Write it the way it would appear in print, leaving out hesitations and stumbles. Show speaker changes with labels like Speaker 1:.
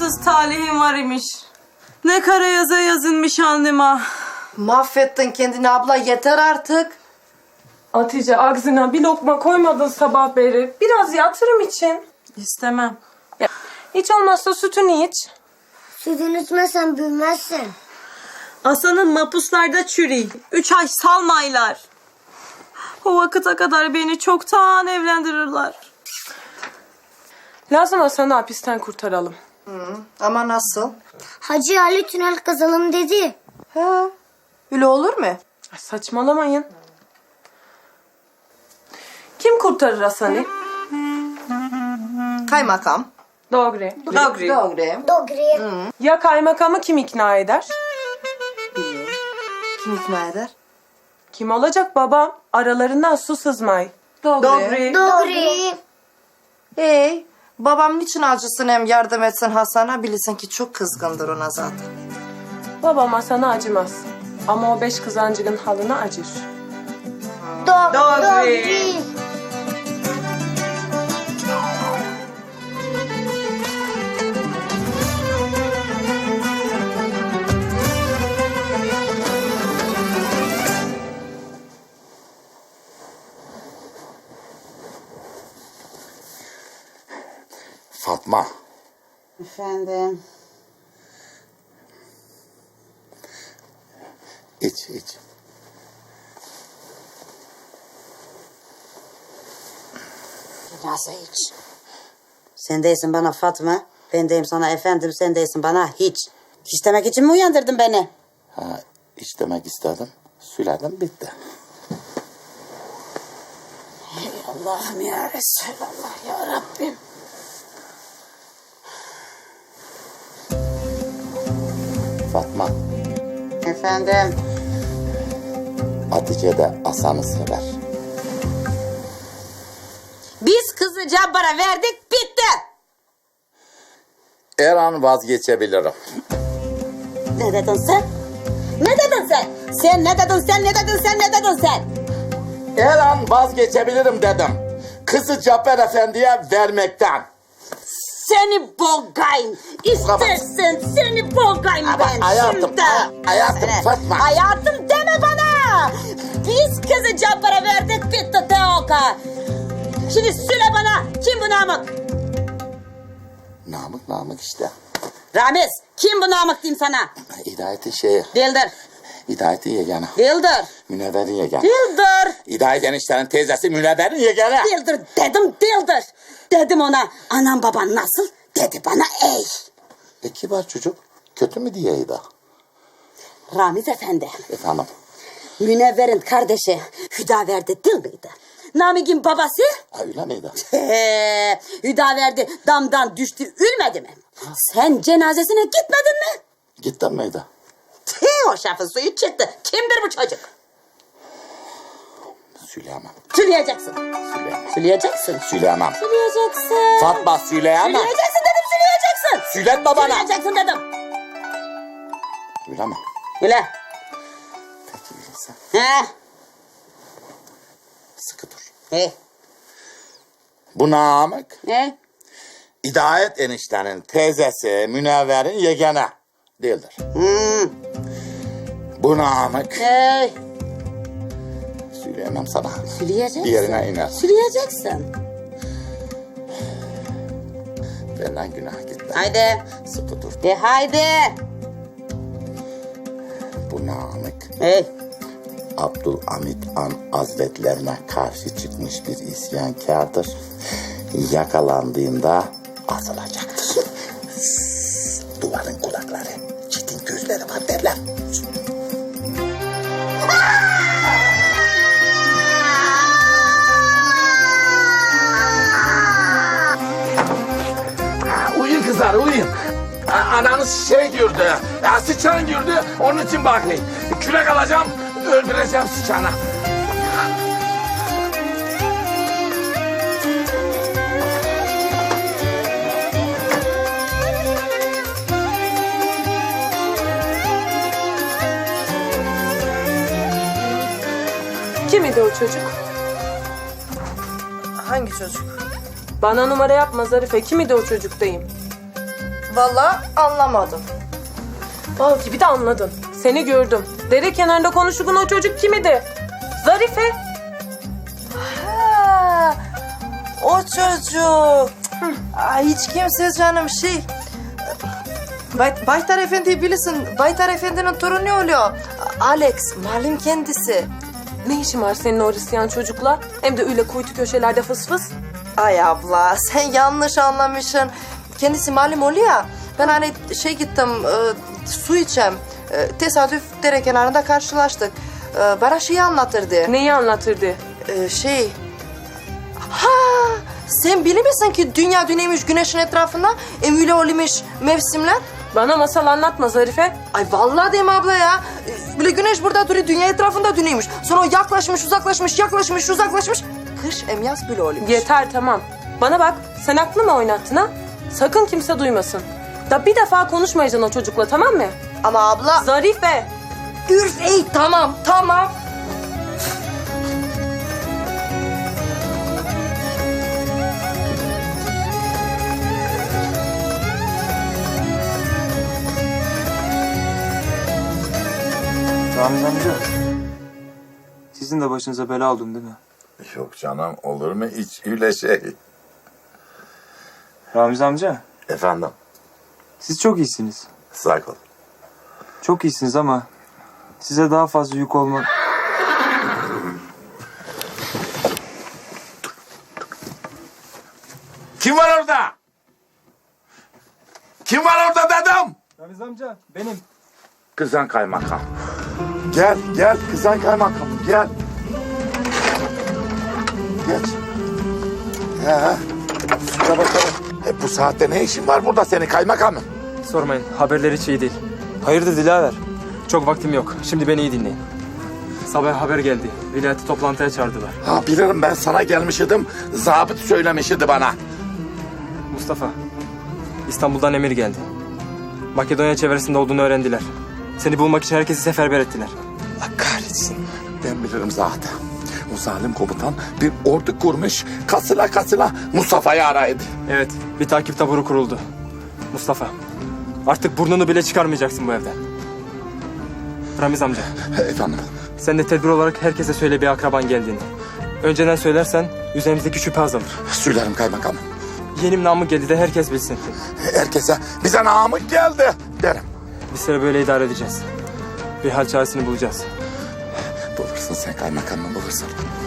Speaker 1: bahtsız talihim var imiş. Ne kara yaza yazılmış alnıma.
Speaker 2: Mahvettin kendini abla, yeter artık.
Speaker 3: Hatice ağzına bir lokma koymadın sabah beri. Biraz yatırım için.
Speaker 1: İstemem.
Speaker 3: Ya, hiç olmazsa sütünü iç.
Speaker 4: Sütünü içmezsen büyümezsin.
Speaker 1: Aslanın mapuslarda çürüy. 3 ay salmaylar. O vakıta kadar beni çoktan evlendirirler.
Speaker 3: Lazım Hasan'ı hapisten kurtaralım.
Speaker 2: Ama nasıl?
Speaker 4: Hacı Ali tünel kazalım dedi.
Speaker 2: He, öyle olur mu?
Speaker 3: Ay, saçmalamayın. Kim kurtarır Hasan'ı?
Speaker 2: Kaymakam.
Speaker 3: Doğru.
Speaker 2: Doğru.
Speaker 4: Dogri.
Speaker 3: Ya kaymakamı kim ikna eder?
Speaker 2: Kim ikna eder?
Speaker 3: Kim olacak babam? Aralarından su sızmay.
Speaker 4: Dogri.
Speaker 2: Babam niçin acısın hem yardım etsin Hasan'a? Bilirsin ki çok kızgındır ona zaten.
Speaker 3: Babam Hasan'a acımaz. Ama o 5 kızancığın halına acır.
Speaker 4: Dogri.
Speaker 5: Fatma,
Speaker 6: Efendim.
Speaker 5: iç.
Speaker 6: Nasıl hiç? Sen değilsin bana Fatma. Ben deyim sana efendim, sen değilsin bana hiç. Hiç demek için mi uyandırdın beni?
Speaker 5: Ha, iç demek istedim. Söyledim, bitti.
Speaker 6: Ey Allah'ım ya Resulallah ya Rabbim.
Speaker 5: Fatma,
Speaker 6: Efendim.
Speaker 5: Hatice de Hasan'ı sever.
Speaker 6: Biz kızı Cabbar'a verdik, bitti.
Speaker 5: Her an vazgeçebilirim.
Speaker 6: Ne dedin sen? Ne dedin sen? Sen ne dedin sen?
Speaker 5: Her an vazgeçebilirim dedim. Kızı Cabbar Efendi'ye vermekten.
Speaker 6: Seni bogayım. İstersen seni bogayım ben
Speaker 5: hayatım,
Speaker 6: şimdi.
Speaker 5: hayatım Fatma.
Speaker 6: Hayatım deme bana. Biz kızı Cabbar'a verdik, bitti Teoka. Şimdi söyle bana, kim bu Namık?
Speaker 5: Namık işte.
Speaker 6: Ramiz, kim bu Namık diyeyim sana?
Speaker 5: Hidayet'in şeyi.
Speaker 6: Dildir.
Speaker 5: Hidayet'in yeganı.
Speaker 6: Dildir.
Speaker 5: Münevver'in yeganı.
Speaker 6: Dildir.
Speaker 5: Hidayet eniştenin teyzesi Münevver'in yeganı.
Speaker 6: Dildir dedim, dildir. Dedim ona, anam baban nasıl? Dedi bana ey.
Speaker 5: Kibar çocuk. Kötü mü diyeydi?
Speaker 6: Ramiz efendi,
Speaker 5: Efendim.
Speaker 6: Münevver'in kardeşi Hüdaverdi değil miydi? Namık'ın babası?
Speaker 5: Ha, öyle miydi?
Speaker 6: Hüdaverdi damdan düştü, ölmedi mi? Sen cenazesine gitmedin mi?
Speaker 5: Gittin miydi?
Speaker 6: O şafın suyu çıktı. Kimdir bu çocuk?
Speaker 5: Söyleyemem.
Speaker 6: Söyleyeceksin. Söyleyeceksin.
Speaker 5: Söyleyemem.
Speaker 6: Söyleyeceksin.
Speaker 5: Fatma söyleyemem.
Speaker 6: Söyleyeceksin dedim, söyleyeceksin.
Speaker 5: Söyletme bana.
Speaker 6: Söyleyeceksin dedim.
Speaker 5: Öyle mi?
Speaker 6: Öyle.
Speaker 5: Peki öyleyse.
Speaker 6: He.
Speaker 5: Sıkı dur.
Speaker 6: He.
Speaker 5: Bu Namık,
Speaker 6: He.
Speaker 5: Hidayet eniştenin teyzesi Münevver'in yeganı değildir. Bu Namık,
Speaker 6: Hey.
Speaker 5: söyleyemem sana.
Speaker 6: Söyleyeceksin.
Speaker 5: Yerine iner.
Speaker 6: Söyleyeceksin.
Speaker 5: Benden günah gitti.
Speaker 6: Haydi.
Speaker 5: Sıkı dur.
Speaker 6: De haydi.
Speaker 5: Bu Namık,
Speaker 6: Hey.
Speaker 5: Abdülhamit Han Hazretlerine karşı çıkmış bir isyankardır. Yakalandığında asılacaktır. Duvarın kulakları, çitin gözleri var derler.
Speaker 7: Uyuyun kızlar, uyuyun. Ananız şey gördü, sıçan gördü, onun için bakayım. Kürek alacağım, öldüreceğim sıçanı.
Speaker 3: Kim idi o çocuk?
Speaker 2: Hangi çocuk?
Speaker 3: Bana numara yapma Zarife. Kim idi o çocuk diyeyim.
Speaker 2: Vallahi anlamadım.
Speaker 3: Bal gibi de anladın. Seni gördüm. Dere kenarında konuşulan o çocuk kim idi? Zarife.
Speaker 2: Ha, o çocuk. Ay, hiç kimse canım Baytar Efendi'yi bilirsin. Baytar Efendi'nin torunu oluyor. Alex, malum kendisi.
Speaker 3: Ne işin var senin o Hristiyan çocukla? Hem de öyle kuytu köşelerde fıs fıs.
Speaker 2: Ay abla, sen yanlış anlamışsın. Kendisi malum oluyor ya. Ben hani gittim, su içem. Tesadüf dere kenarında karşılaştık. Bana anlatırdı.
Speaker 3: Neyi anlatırdı?
Speaker 2: Ha, sen bilir misin ki dünya dönüyormuş güneşin etrafında? Öyle oluyormuş mevsimler.
Speaker 3: Bana masal anlatma Zarife.
Speaker 2: Ay vallahi deme abla ya. Böyle güneş burada duruyor, dünya etrafında dönüyormuş. Sonra o yaklaşmış, uzaklaşmış, yaklaşmış, uzaklaşmış. Kış yaz böyle oluyormuş.
Speaker 3: Yeter tamam. Bana bak sen aklını mı oynattın ha? Sakın kimse duymasın. Da bir defa konuşmayacaksın o çocukla tamam mı?
Speaker 2: Ama abla...
Speaker 3: Zarife.
Speaker 2: Ürf, tamam.
Speaker 8: Ramiz amca, sizin de başınıza bela oldum değil mi?
Speaker 7: Yok canım, olur mu hiç öyle şey?
Speaker 8: Ramiz amca,
Speaker 7: Efendim,
Speaker 8: siz çok iyisiniz.
Speaker 7: sağ ol.
Speaker 8: Çok iyisiniz ama size daha fazla yük olma...
Speaker 7: Kim var orada? Kim var orada dedim?
Speaker 8: Ramiz amca, benim.
Speaker 7: Kızan kaymakam. Gel kızan kaymakam, gel. Geç. Şuna bakalım. Bu saatte ne işin var burada senin kaymakamım?
Speaker 8: Sormayın, haberleri hiç iyi değil. Hayırdır Dilaver? Çok vaktim yok. Şimdi beni iyi dinleyin. Sabah haber geldi. Vilayeti toplantıya çağırdılar.
Speaker 7: Ha bilirim, ben sana gelmişidim. Zabıt söylemişti bana.
Speaker 8: Mustafa, İstanbul'dan emir geldi. Makedonya çevresinde olduğunu öğrendiler. Seni bulmak için herkesi seferber ettiler.
Speaker 7: Allah kahretsin. Ben bilirim zaten. O zalim komutan bir ordu kurmuş. Kasıla Mustafa'yı araydı.
Speaker 8: Evet, bir takip taburu kuruldu. Mustafa, artık burnunu bile çıkarmayacaksın bu evden. Ramiz amca,
Speaker 7: Efendim?
Speaker 8: sen de tedbir olarak herkese söyle bir akraban geldiğini. Önceden söylersen üzerimizdeki şüphe azalır.
Speaker 7: Söylerim kaymakamım.
Speaker 8: Yeğenim Namık geldi de herkes bilsin.
Speaker 7: Herkese bize Namık geldi derim.
Speaker 8: Bir süre böyle idare edeceğiz. Bir hal çaresini bulacağız.
Speaker 7: Bulursun sen kaymakamını bulursun.